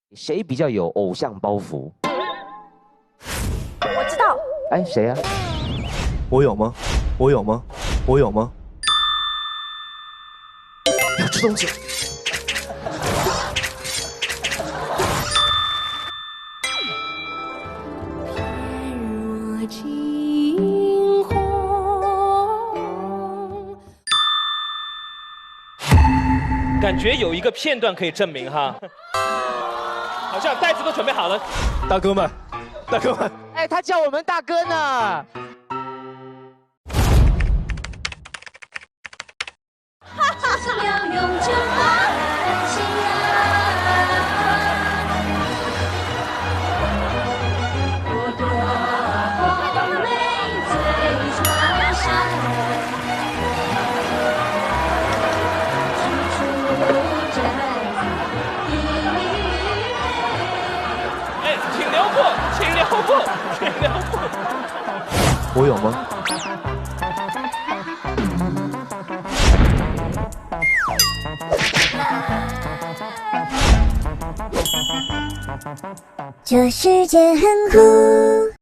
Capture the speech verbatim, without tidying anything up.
谁比较有偶像包袱？ 我知道。 哎，谁呀、啊？ 我有吗？我有吗？我有吗？ 要吃东西。 感觉有一个片段可以证明哈，好像袋子都准备好了。 大哥们，大哥们， 哎，他叫我们大哥呢。 哈哈，要用这么狠心啊！我多红泪最抓伤。 哎，请留步，请留步，请留步。 我有吗？ 这世界很酷。